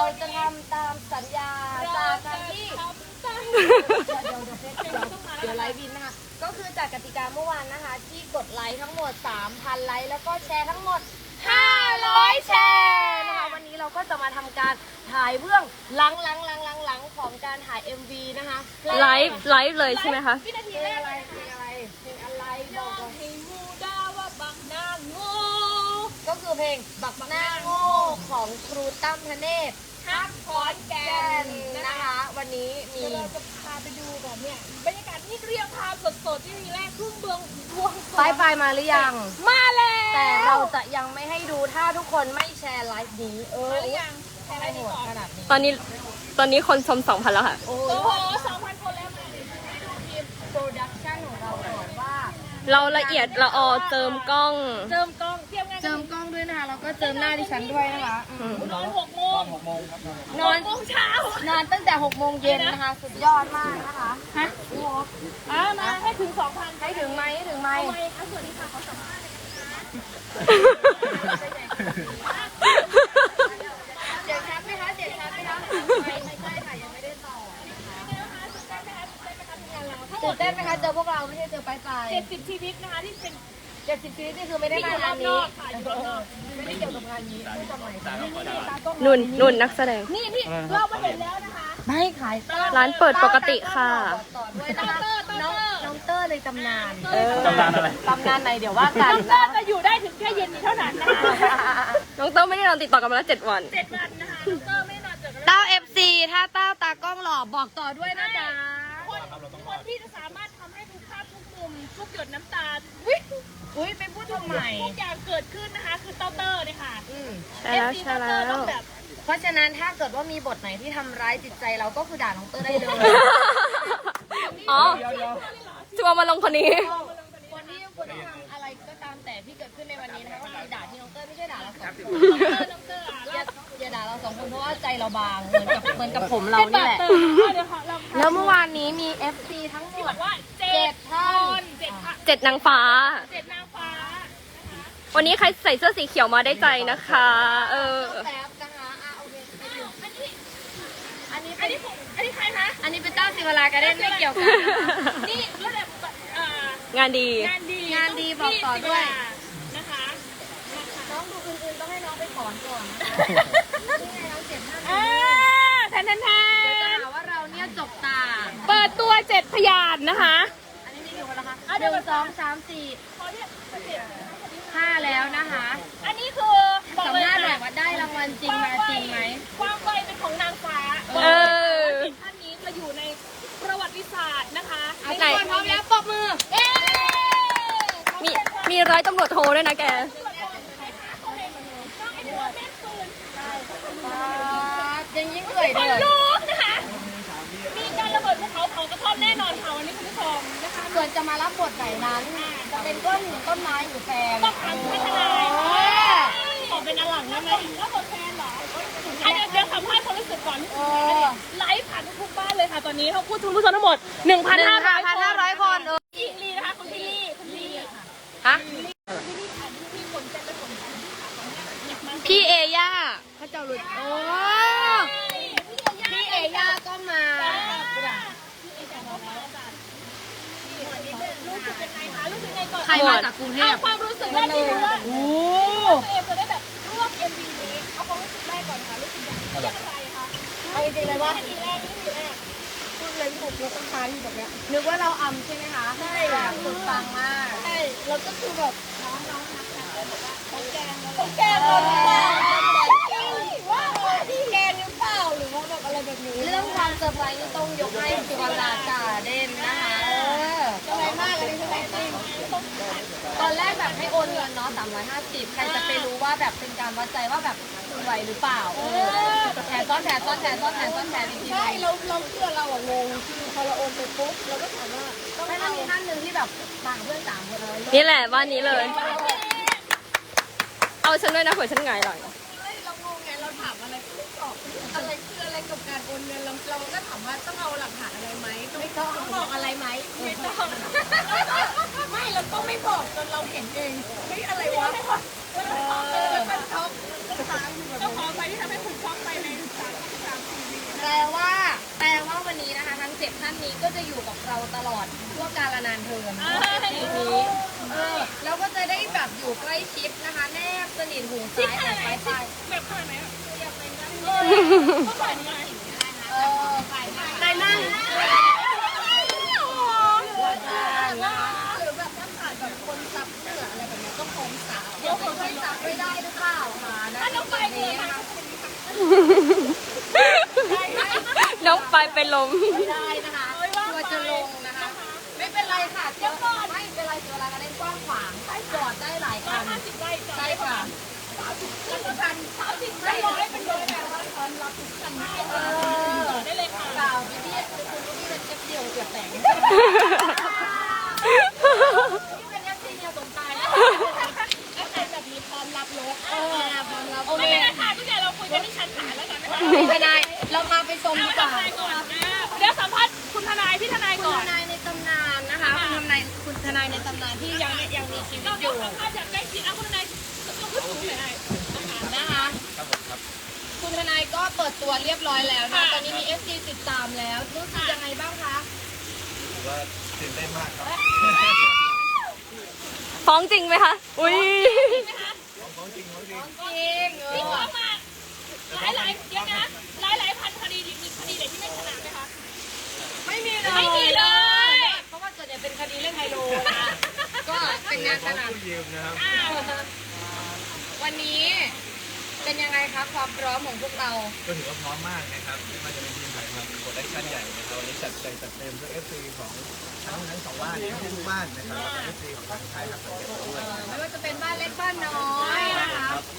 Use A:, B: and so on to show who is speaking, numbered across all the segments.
A: จะทำตามสัญญาจากการที่เดี๋ยวไลฟ์บินนะคะก็คือจากกติกาเมื่อวานนะคะที่กดไลค์ทั้งหมด 3,000 ไลค์แล้วก็แชร์ทั้งหมด500 แชร์นะคะวันนี้เราก็จะมาทำการถ่ายเบื้องหลังของการถ่าย MV นะคะ
B: ไลฟ์เลยใช่ไหมคะ
A: เพลงอะไรบอกก่อน
C: ให้มูดาว่าบักนางโง่
A: ก็คือเพลงบักหน้าโง่ของครูตั้มธเนศ
C: ฮักขอนแก่น
A: นะคะวันนี้มี
C: เราจะพาไปดูแบบเนี้ยบรรยากาศที่เรียลไทม์สดๆที่มีแรกครึ่งเบืองบวงสรวง
A: ไปมาหรือยัง
C: มาแล้ว
A: แต่เราจะยังไม่ให้ดูถ้าทุกคนไม่แชร์ไลฟ์นี้
C: มาหรือยังแชร์ไลฟ์นี้ก่อน
A: ขนาดนี้
B: ตอนนี้คนชม 2,000 แล้วค่ะ
C: โอ้โห 2,000 คนแล้วมาให้ดูทีม
A: โปรดักชั่นของเราก่อนว่า
B: เราละเอียดละออเจิมกล้อง
C: เจิมกล้องเตรียมงาน
A: เจิมกล้องด้วยนะคะแล้วก็เจิมหน้าดิฉันด้วยนะคะ
C: นอน6 โมง
A: ครับ
C: นอน6 โมงเช้าน
A: อนตั้งแต่6 โมงเย็นนะคะสุดยอดมากนะคะ
C: ฮะมาให้ถึง 2,000
A: ให้ถึงไหม
C: สวัสดีค่ะขอสัมภาษณ์
A: เสียงชัดไหมคะไม่ใช่ค่ะยังไม่ได้ต่อตื่นเต้นไหมคะเจอพวกเราไม่ใช่เจอไป
C: 70 ชีวิตนะคะที่เป็น
A: 70 ชีวิตนี่คือไม่ได้มางานนี้ไม่ได้เกี่ยวกับงานนี้พูดทำไม
B: นุ่นนักแสดง
C: นี่เรามาเห็นแล้วนะคะ
A: ไม่ขาย
B: ร้านเปิดปกติค่ะ
A: น้องเตอร์เลยตำนาน
D: ตำนานอะไร
A: ตำนานไหนเดี๋ยวว่ากัน
C: น้องเตอร์จะอยู่ได้ถึงแค่เย็นนี้เท่านั้นนะคะ
B: น้องเตอร์ไม่ได้นอนติดต่อกันมาแล้ว7 วัน
C: 7 วันนะคะน้องเตอร์ไม่นอนเจอกัน
A: เต้า FC ถ้าเต้าตากล้องหล่อบอกต่อด้วยนะจ๊ะ
C: คนที่จะสามารถทำให้ทุกภาพทุกมุมทุกหยดน้ำตา
A: อุ้ยไปพูดทำไม
C: ทุกอย่างเกิดขึ้นนะคะคือเต้าเตอร์เนี่ยค่ะ
B: ใช่แล้ว
A: เพราะฉะนั้นถ้าเกิดว่ามีบทไหนที่ทำร้ายจิตใจเราก็คือด่าน้องเตอร์ได้เลย
B: อ๋อชัวร์มาลงคนนี้
A: วันนี้คุณทำอะไรก็ตามแต่ที่เกิดขึ้นในวันนี้นะคะก็คือด่าที่น้องเตอร์ไม่ใช่ด่าเราสองคนอย่าด่าเรา2 คนเพราะว่าใจเราบางเหมือนกับผมเรานี่แหละแล้วเมื่อวานนี้มี FC ทั้งหมด
C: ว่า7 ท่าน
B: 7 นางฟ้า
C: 7 นางฟ้า
B: วันนี้ใครใส่เสื้อสีเขียวมาได้ใจนะคะ
A: แป๊บนะคะโอเค
C: อันนี้ใครคะ
A: อันนี้เป็นเต้าศิวราการเด้นไม่เกี่ยวกัน
C: นี่ระดับ
B: งานดี
A: บอกต่อด้วย
C: นะคะ
A: น้องดูอื่นๆต้องให้น้องไปถอนก่อนนี่ไงน้อง7 ท่าน
C: แทน
A: เดี๋ยวจะหาว่าเราเนี่ยจบตา
C: เปิดตัว7 พยานนะคะ
A: อันนี้มีกี่คนแล้วคะ1 2 3 4 5แล้วนะคะ
C: อันนี้คือ
A: สัมภาษณ์แบบว่าได้รางวัลจริงมาจริงไหม
C: ความไวเป็นของนางฟ้าท่านนี้จะอยู่ในประวัติศาสตร์นะคะ
A: ไหนพร้อมแล้วปรบมือ
B: มีร้อยตำรวจโทรด้วยนะแก
A: ยังยิ่งเอื่อยเลย
C: ลูกนะคะมีการระเบิดภูเขาเผากระท่อมแน่นอนค่ะวันนี้คุณผู้ชมนะคะ
A: ส่วนจะมารับบทไหนนั้นจะเป็นต้นไม้หรือแฟน
C: ต้องทำให้ทนายขอเป็นอลังได้ไหมรับบทแฟนเหรอเดี๋ยวสัมภาษณ์ความรู้สึกก่อนไลฟ์ผ่านทุกบ้านเลยค่ะตอนนี้เขาพูดทุกผู้ชมทั้งหมด
A: 1,500 คน
C: พี่ลีนะคะคุณพี่ลี
A: ฮะพี่เอย่าพระเจ้าหลุดโอ้พี่เอย่าก็มา
C: รู้สึกไงก่อน
A: ใครมาจากกรุงเทพ
C: ความรู้สึกแรกที่รู้ว่าตัวเองจะได้แบบร่วม MV นี้เอาความรู้สึกแรกก่อนค่ะรู้สึกอย่างไรคะ
A: เอาจริงเลยว่า
C: ทีแรก
A: พูดเลยถูกยกต้นไม้อยู่แบบเนี้ยนึกว่าเราอำใช่ไหมคะใช่แบบสุดปังมาก
C: ใช่เราก็คือแบบน้องนักการเลยบอกว่าเขาแกงเราแกงเราว่าที่แกงหรือเปล่าหรือว่าแบบอะไรแบบนี้
A: เรื่องความเซอร์ไพรส์นี่ต้องยกให้ศิวราการเด่นนะคะ
C: อะไรมากเลยใช่ไหมจริง
A: ตอนแรกแบบให้โอนเงินเนาะ350ใครจะไปรู้ว่าแบบเป็นการวัดใจว่าแบบคุณไหวหรือเปล่าแถซ้อนแถจริงๆ
C: ใช่เราเชื่อเรางงคือพอเราโอนไปปุ๊บเราก็ถามว่า
A: ต้องให้มีท่านหนึ่งที่แบบต่างเพื่อน3 คนเลย
B: นี่แหละบ้านนี้เลยเอาฉันด้วยนะเผื่อฉันไงหน่อย
C: เรางงไงเราถามอะไรไม่ตอบอะไรคืออะไรกับการโอนเงินเราก็ถามว่าต้องเอาหลักฐานอะไรไหมต้องบอกอะไรไหมไม่ต้องไม่เราต้องไม่บอกจนเราเห็นเองเฮ้ยอะไรวะแล้วก็ช็อกเจ้าของไปที่ทำให้คุณช็อกไปในานานเทินทีนี้แล้วก็จะได้แบบอยู่ใกล้ชิดนะคะแนบสนิทหูซ้ายกับซ้ายไป
B: แบบขนาดไหน
C: ได้นั่งหรือแบบถ้าขาดแบบคนซับเสื้ออะไรแบบนี้ก็คงสาวเดี๋ยวคนที่ซับไม่ได้หรือเปล่าคะนะจุดนี้นะคะ
B: น้องไปเป็นลม
C: ไม่ได้นะคะกลัวจะลงนะคะ ไม่เป็นไรค่ะเจ้าไม่เป็นไรตัวเราก็เล่นกว้างขวางจอดได้หลายคันใช่ค่ะ30ได้ร้อยเป็นร้อยแบบว่าตอนรับทุกคัน
B: ได้เลยค่ะ
C: เปล่าพี่คุณพี่เป็นเจ็บเดียวเจ็บแต่งนี่เป็นยักษ์ที่เดียวสมตายนะแบบนี้พร้อมรับรถพร้อมรับ
B: ไม่เป็นไรค่ะพี่แต่เราคุยกันที่ชั้นศาลแล้วกันนะคะ
C: ไม่ได้เรามาไปชมดีกว่า
B: เดี๋ยวสัมภาษณ์คุณทนายพี่ทนาย
C: คุ
B: ก่
C: ณ
B: อน
C: ทนายในตำนานนะคะคุณทนายในตำนานที่ยังมีชีวิต
B: เรา
C: อ
B: เดี๋ยว
C: ยู่
B: สัมภาษณ์จากใกล้ชิดคุณทนายต้องพูดสูงหน่อย
C: นะคะคุณทนายก็เปิดตัวเรียบร้อยแล้วนะตอนนี้มี FC ติดตามแล้วรู้สึกยังไงบ้างคะ
D: ว่าตื่นเต้นมากครับ
B: ฟ้องจริงไหมคะ อุ้ย
D: ของจริงของจริง
C: จริง
B: พี่ฟ้องมาหลายเดี๋ยวนะหลายพันคดีมีคดีไหนที่ไม่ชนะไหมคะ
C: ไม่มีเลย
B: ไม่มีเลย
C: เพราะว่าส่วนใหญ่เป็นคดีเล่นไฮโลนะคะก็เป็นงานสนาม
D: ผู้ยืมนะครับ
C: วันนี้เป็นยังไงคะความพร้อมของพวกเรา
D: ก็ถือว่าพร้อมมากนะครับไม่ว่าจะเป็นทีมถ่ายทำโปรดักชั่นใหญ่นะครับวันนี้จัดใหญ่จัดเต็มเพื่อ FC ของทั้งสองบ้านทุกบ้านนะครับแล้วก็ FC ของทางไทยครับสังเกตด้วย
C: ไม่ว่าจะเป็นบ้านเล็กบ้านน้อยนะคะ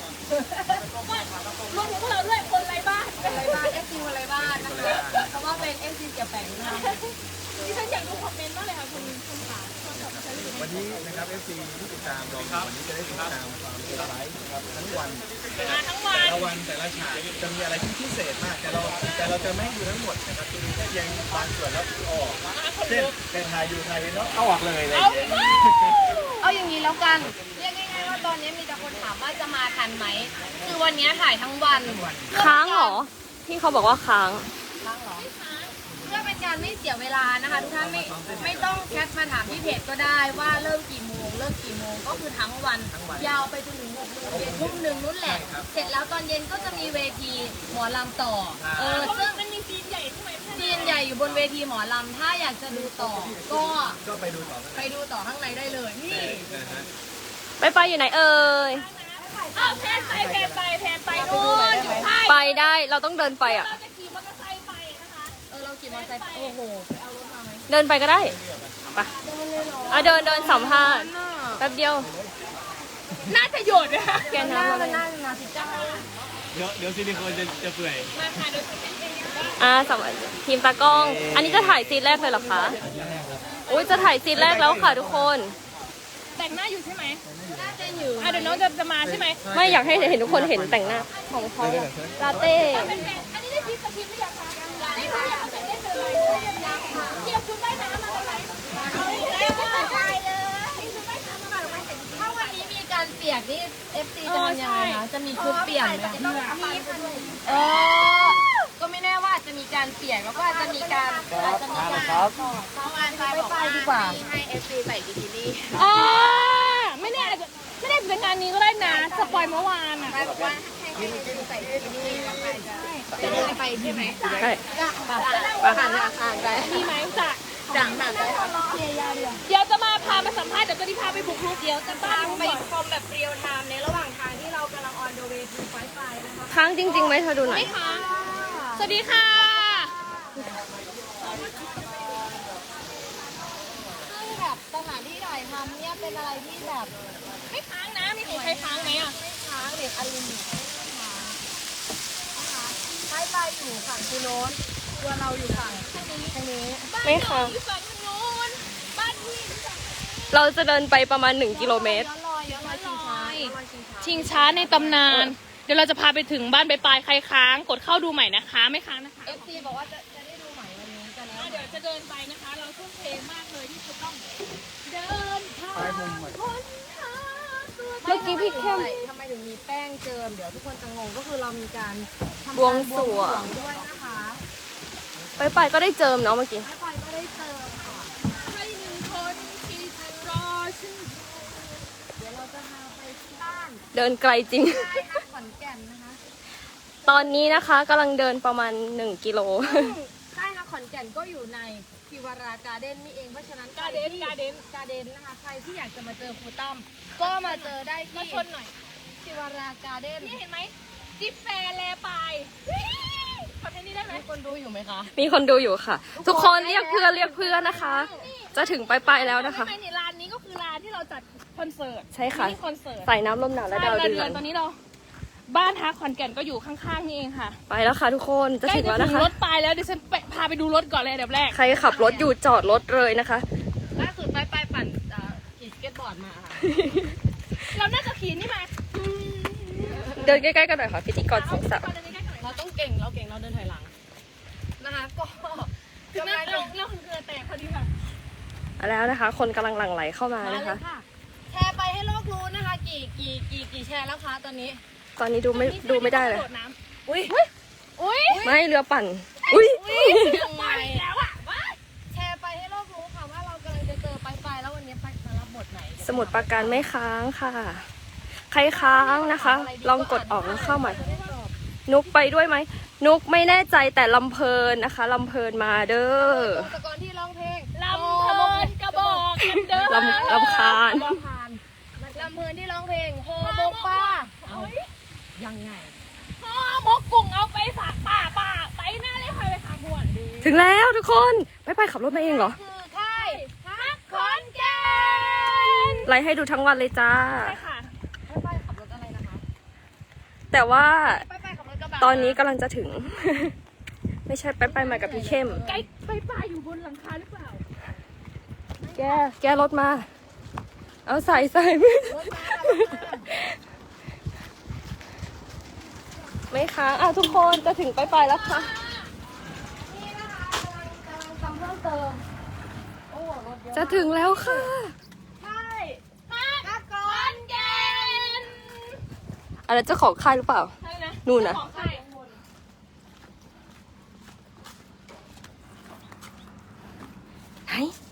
B: รวมถึงพวกเราด้วยคนไร้บ้าน
C: อะไรบ้าน FC อะไรบ้านนะคะเพราะว่าเป็น FC เสียแปงนะคะ
B: ดิฉันอยากดูคอมเมนต์มากเลยค่ะคุณขาคนขับดิฉันอยู่
D: วันนี้นะครับ FC ที่ติดตามเราวันนี้จะได้ติดตามความเซอร์ไพรส์นะครับทั้งวัน
B: มาทั้งวัน
D: แต่ละวันแต่ละฉากจะมีอะไรที่พิเศษมากแต่เราจะไม่ดูทั้งหมดนะครับจะมีแค่เพียงบางส่วนแล้วออกเช่นเป็นถ่ายอยู่ถ่ายเนาะเอาออกเลยอะไรอย่างเงี้ย
C: เอาอย่างนี้แล้วกัน เรียกง่ายๆว่าตอนนี้มีแต่คนถามว่าจะมาทันไหม คือวันนี้ถ่ายทั้งวัน
B: ค้างเหรอ ที่เขาบอกว่าค้าง
C: ค้างเหรอเพื่อเป็นการไม่เสียเวลานะคะทุกท่านไม่ต้องแคปมาถามที่เพจก็ได้ว่าเริ่มกี่โมงเลิกกี่โมงก็คือทั้งวัน ยาวไปจนถึง6 โมงเย็นทุ่มหนึ่งนู่นแหละ เสร็จแล้วตอนเย็นก็จะมีเวทีหมอลำต่อ ซึ่ง
B: มันมีซีนใหญ่ใช่ไหม
C: จีนใหญ่อยู่บนเวทีหมอลำถ้าอยากจะดูต่อ ก็
D: ไปดูต่อ
C: ไปดูต่อข้างในได้เลยนี่
D: นะฮะ
B: ไปอยู่ไหนเอ่ยแพนไปนู่นอยู่ใต้ไปได้เราต้องเดินไปอ่ะ
C: เราขี่มอเตอร์ไซค์โอ้โหไปเอารถมาไหม
B: เดินไปก็ได้ไปเดินสัมภาษณ์แป๊บเดียว น่าจะหยุดนะแกน้ำอะไร
C: น่าจะมาสิจ้า
D: เดี๋ยวซิลิโคนจะเปื่อย
B: สำหรับทีมตากล้อง อันนี้จะถ่ายซีนแรกเลยเหรอคะอุ้ยจะถ่ายซีนแรกแล้วค่ะทุกคน แต่งหน้าอยู่ใช่ไหม
C: น่าจะอยู่
B: เดี๋ยวน้องจะมาใช่ไหมไม่อยากให้เห็นทุกคนเห็นแต่งหน้าของเขาลาเต้
C: อันนี้ได้พิมพ์สคริปต์หรือยังคะได้ค่ะอยากแต่งได้เลยยังค่ะเทียบชุดว่ายน้ำมาเลยได้เลยถ้าวันนี้มีการเปียกนี่ FC จะทำยังไงคะจะมีชุดเปียกไหมก็ไม่แน่ว่าจะมีการเปียกแล้วก็อาจจะมีการเมื่อวานไปบอกว่าให้ FC ใส่บิกินี่
B: ไม่แน่ไม่ได้เป็นงานนี้ก็ได้นะสปอยเมื่อวานอ่ะ
C: ไปบอกว่าให้ใส่บิกินี่แล้วไปจะเดินไปใช่ไหม
B: ใช่
C: ผ่านอาคารไป
B: มีไหมจะ
C: จังแบบ
B: เดี๋ยวจะมาพาไปสัมภาษณ์เดี๋ยวจะพาไปบุกรุก
C: เดี๋ยวจะพาไปชมแบบเรียลไทม์ในระหว่างทางที่เรากำลังออนเดอะเวย์ทูไฟไฟนะคะ
B: ค้างจริงๆไหมเธอดูหน่อยสวัสดีค่ะ
C: ซึ่งแบบสถานที่ถ่ายทำเนี่ยเป็นอะไรที่แบบ
B: ไม่ค้างนะมีใครค้างไหมอ่ะ
C: ไม่ค้างเด็กอลูมิเนียมไม่ค้างนะคะไฟไฟอยู่ฝั่งคูโน้นตัวเราอยู่ฝั่งทางนี้
B: ไม่ค้าง
C: ฝั่งนู้นบ้านพี่
B: เราจะเดินไปประมาณ1 กิโลเมตร
C: ย้อนรอยชิงช้า
B: ชิงช้าในตำนาน เดี๋ยวเราจะพาไปถึงบ้านปลายใครค้างกดเข้าดูใหม่นะคะไม่ค้างนะคะ
C: เอฟซีบอกว่าจะได้ดูใหม่วันนี้กันแล้ว
B: เดี๋ยวจะเดินไปนะคะ เราทุ่มเทมากเลยที่จะต้องเดินทาง เมื่อกี้พี่เข้ม
C: ทำไมถึงมีแป้งเจิมเดี๋ยวทุกคนจะงงก็คือเรามีการทำ
B: บวงสรวง
C: ด้วยนะคะ
B: ไปก็ได้เจิมเนาะเมื่อกี้
C: ไฟก็ได้เจิมค่ะให้1 คน
B: เดินไกลจริง
A: ค่ายฮักขอนแก่นนะคะ
B: ตอนนี้นะคะกำลังเดินประมาณ1 กิโล
A: ค่ายฮักขอนแก่นก็อยู่ในพิวาราการ์เด้นนี่เองเพราะฉะนั้นการ์เด้นนะคะใครที่อยากจะมาเจอครูตั้มก็มาเจอได้ที่ชนหน่อยพิวาราการ์เด้นนี่เห็นไหมจิ๊บแฟร์แลไปคอนเทนต์นี้ได้ไหมคนดูอยู่ไหมคะ
B: มีคนดูอยู่ค่ะ ทุกคนเรียกเพื่อนนะคะ จะถึงปลายๆแล้วนะคะ
C: ไม่นี่ร้านนี้ก็คือร้านที่เราจัดคอนเสิร์ต
B: ใช่ค่ะ
C: มินิคอนเสิร์ต
B: ใส่น้ำลมหนาวและดาวเดือน
C: ตอนนี้เราบ้านฮักขอนแก่นก็อยู่ข้างๆนี่เองค่ะ
B: ไปแล้วค่ะทุกคนจะ
C: ใกล้
B: ถึง
C: จะ
B: แล้ว
C: ถึ
B: นะ
C: ง
B: คะ
C: รถปลายแล้วเดี๋ยวฉันพาไปดูรถก่อนเลยอันดับแรก
B: ใครขับรถอยู่จอดรถเลยนะคะ
A: ล่าสุดไปปั่นขี่สเก็ตบอร์ดมาค่ะ
C: เราน่าจะขี่นี่มา
B: เดินใกล้ๆกันหน่อยค่ะพิธีกรสองสาว
A: เราต้องเก่งเราเดินถอยหลังนะคะก็
C: คือแม่เราคือเกลือแตกพอดีค่ะ
B: แล้วนะคะ คนกำลังหลั่งไหลเข้ามา
A: มา
B: นะ
A: เล
B: คะ
A: ยค่ะแชร์ไปให้โลกรู้นะคะกี่แชร์แล้วคะตอนนี้
B: ตอนนี้ดูไม่ได้เลย
C: โดดน้ำ
A: อุ้ย
B: ไม่เรือปั่น อุ้ย
A: ยังไง
C: แล้วอ่ะว้าย
A: แชร์ไปให้โลกรู้ค่ะว่าเรากำลังจะเจอไปแล้ววันนี้ไปจะรับบทไหน
B: สมุดปราการไม่ค้างค่ะ ใครค้างนะคะ ลองกดออกแล้วเข้าใหม่ นุกไปด้วยไหม นุกไม่แน่ใจแต่ลำเพลินนะคะลำเพลินมาเด้อ
A: ตะกอนที่ร้องเพลง
C: ลำเพลินกระบอกกันเด้อ
B: ลำคาญ
A: ลำเพลินที่ร้องเพลงโฮโมกป้าเอายังไง
C: พ่อมกกุ้งเอาไปฝากป่าไปหน้าเลยคอยไปฝากบวนดี
B: ถึงแล้วทุกคนไปขับรถมาเองเหรอ
A: คือค่าย
C: ฮักขอนแก่น
B: ไลฟ์ให้ดูทั้งวันเลยจ้า
C: ใช่ค่ะ
A: ไปขับรถอะไรนะคะ
B: แต่ว่า
A: ไปขับรถกระบะ
B: ตอนนี้กำลังจะถึง ไม่ใช่ไปมากับพี่เข้ม
C: ไกลไปป่าอยู่บนหลังคาหรือเปล่า
B: แกรถมา เอาใส่
A: รถมา
B: ไม่ค้างอ้าวทุกคนจะถึงไปแล้วค่ะ
A: นี่นะคะกำลังทำเพิ่มเติมโอ้รถเยอะ
B: จะถึงแล้วค่ะ
A: ใช่ฮักขอนแก่น
B: อะไรเจ้าของค่ายหรือเปล่า
C: ใช่นะ
B: นู่นนะ
C: ของใคร
B: ไหน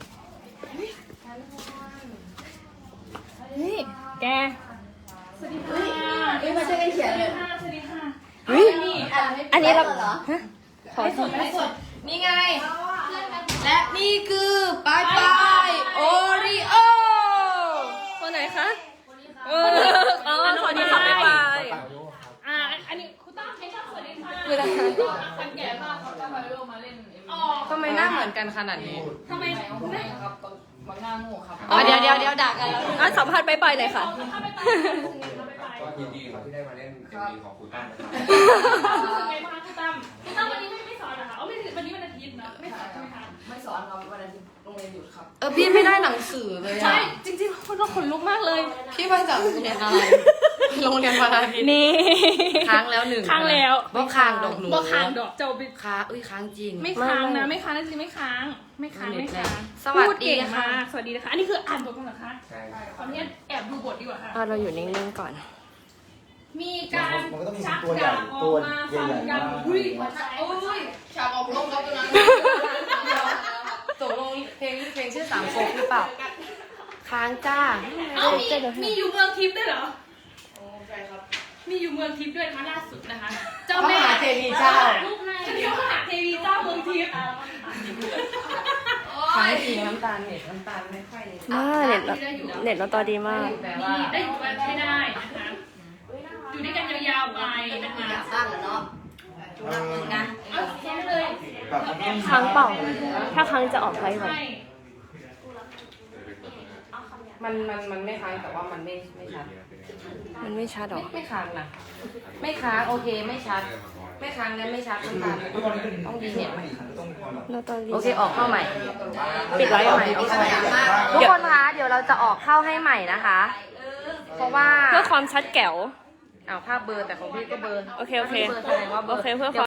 C: นี่แกสวัสดีค่ะ
A: มาช่วยกันเขียนเลย
C: สวัสดีค่ะ
B: เฮ้ยอันนี้เราฮะขอ
C: ไม่สด
A: นี่ไง และนี่คือปายโอริโอ
B: คนไหนคะอ๋อสวัสดีค่ะบ๊ายบาย
C: อันนี้คุณตั้มให้ชอบสวัสดีค่ะ
B: คืออะไรคะ
C: คนแก่มากเขาจะมาร่วมมาเล่นอ๋อ
E: ทำไมหน้าเหมือนกันขนาดนี้
C: ทำไมไม่
E: อ๋อเดี๋ยวด่ากันแล้ว
B: อ่ะสัมภาษณ์ไปหน่อยค่ะ
C: เข้าไปไป
D: ก็ยินดีครับที่ได้มาเล่นเอ็มวีของคุณตั้มนะครับ
C: รู้สึกไงบ้างคะคุณตั้มคุณตั้มวันนี้ไม่สอนเหรอคะอ๋อไม่วันนี้วันอาทิตย์นะไม่สอนใช่ไหมคะ
E: ไม่สอนครับวันอาทิตย์โรงเรียนหยุดครับ พี่ไม่ได้หนังสือเลย
C: ใช่
E: อ่ะ
C: จริงๆคนเราขนลุกมากเลย
E: พี่มาจากโรงเรียนอะไร โรงเรียนวันอาทิตย์
B: นี่
E: ค้างแล้วหนึ่ง
C: ค้างแล้ว
E: บ่ค้างดอกหนู
C: บ่ค้างดอกเจ้าบิ
E: ค้างค้างจริง
C: ไม่ค้างนะไม่ค้างนะจริงไม่ค้างไม่ค้างไม่ค้าง
E: สวัส
C: พู
E: ดี
C: เก่ง
E: ค่ะ
C: มากสวัสดีนะคะอันนี้คืออ่านบทกันเหรอคะ
D: ใช่ครับ
C: ขออนุญาตแอบดูบทดีกว่าค่ะ
B: เราอยู่นิ่งๆก่อน
C: มีการ
D: มันก็ต้องมี
C: ชัก
D: ตัวใหญ่
C: ดาบอ
D: ตั
C: อ
D: ว
C: กมา
D: ใหญ่
C: ฟัน
D: ๆ
C: กัน
D: มาก
C: อุ้ยหัวใจโอ้ย
E: ฉากออกลงครับตรงนั้นตกลงเพลงชื่อสามโคกหรือเปล่า ค้างจ้า
C: เอ้ามีอยู่เมืองทิพย์ด้วยเหรอมีอยู่เมืองทิพย์ด้วยนะคะล่าสุดนะคะ เจ้าแม่
E: มหาเทวีเจ้า
C: ฉันเรียกว่ามหาเทวีเจ้าเมืองทิพย์
E: ค้างจริงน้ำตาลเน็ตน้ำตาลไม่ค่อย
B: เน็ตเราต่อดีมาก
E: แต่
C: มี
E: ว่า
C: ได้อยู่กันไม่ได้นะคะอยู่ด้วยกันยาวๆไปนะคะ
E: บ้านเหรอเนาะ
C: เอาแค่เลย
B: ครั้งเปล่า ถ้าครั้งจะออกไลฟ์ก่อน
C: ใช่
E: มันไม่ค้างแต่ว่ามันไม่ชัด
B: มันไม่ชัดหรอ
E: ไม่ค้างนะไม่ค้างโอเคไม่ชัด ไม่ค้างและไม่ชัดน้ำตาลต้องดีเน็ตไหม
B: เราต่อดี
E: โอเคออกเข้าใหม่
B: ปิดไลฟ์ใหม่
E: ออกเข้าใหม่
B: ทุกคนคะ เดี๋ยวเราจะออกเข้าให้ใหม่นะคะ
E: เพราะว่า
B: เพื่อความชัดแก๋ว
E: อ้าวภาพเบอร์แต่ของพี่ก็เบอร์
B: โอเค
E: เบอร์แสดงว่าเบอร์
B: โอเคเพื่อความ